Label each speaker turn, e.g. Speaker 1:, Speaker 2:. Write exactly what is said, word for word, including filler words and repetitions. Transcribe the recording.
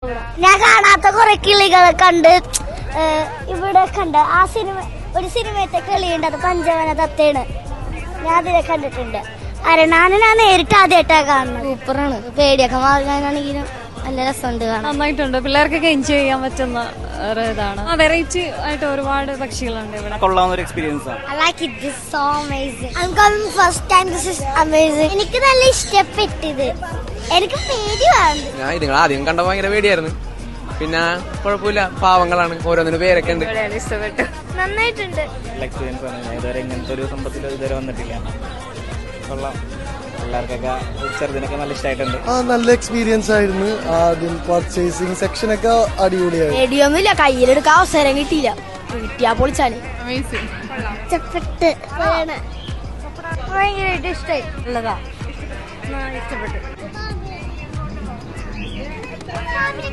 Speaker 1: ഞാൻ കാണാത്ത കുറെ കിളികളെ കണ്ട് ഇവിടെ കണ്ട് ആ സിനിമ ഒരു സിനിമയത്തെ കിളിയുണ്ട്, അത് പഞ്ചവന തത്തയാണ്. ഞാൻ അതിനെ കണ്ടിട്ടുണ്ട്. അരണാനെ ഞാൻ നേരിട്ട് ആദ്യമായിട്ടാണ് കാണുന്നത്. സൂപ്പറാണ്. പേടിയൊക്കെ മാറാനാണെങ്കിലും നല്ല രസമുണ്ട് കാണാൻ.
Speaker 2: നന്നായിട്ടുണ്ട്. പിള്ളേർക്കൊക്കെ എൻജോയ് ചെയ്യാൻ പറ്റുന്ന ഇതാണ്. വെറൈറ്റി ആയിട്ട് ഒരുപാട് പക്ഷികളുണ്ട് ഇവിടെ.
Speaker 3: കൊള്ളാവുന്ന ഒരു എക്സ്പീരിയൻസ് ആണ്.
Speaker 1: I like it. This is so amazing. I'm coming first time. This is amazing. എനിക്ക് നല്ല ഇഷ്ടപ്പെട്ടത്. എനിക്ക് പേടി വേണ്ട.
Speaker 4: ഞാൻ നിങ്ങൾ ആദ്യം കണ്ട ഭയങ്കര പേടിയായിരുന്നു. പിന്നെ കുഴപ്പമില്ല, പാവങ്ങളാണ്, ഓരോന്നിനും പേരൊക്കെ ഉണ്ട്.
Speaker 2: ഇഷ്ടപ്പെട്ടു.
Speaker 1: നന്നായിട്ടുണ്ട്.
Speaker 3: നല്ല എക്സ്പീരിയൻസ് ആണ്. ഞാൻ ഇതുവരെ ഇങ്ങനത്തെ ഒരു സംഭവത്തിൽ ഇതുവരെ വന്നിട്ടില്ല. കൊള്ളാം. പിള്ളേർക്കൊക്കെ ചെറുതിനൊക്കെ നല്ല ഇഷ്ടമായിട്ടുണ്ട്.
Speaker 5: ആ നല്ല എക്സ്പീരിയൻസ് ആയിരുന്നു. ആദ്യം പർച്ചേസിംഗ് സെക്ഷനൊക്കെ അടിപൊളിയായിരുന്നു.
Speaker 1: പേടിയൊന്നുമില്ല, കയ്യിലെടുക്കാൻ അവസരം കിട്ടിയില്ല. കിട്ടിയാ പൊളിച്ചാണ്. ഇഷ്ടപ്പെട്ട് ഭയങ്കരമായിട്ട് ഇഷ്ടമായി.
Speaker 2: ഉള്ളതാ ഇഷ്ടപ്പെട്ടു.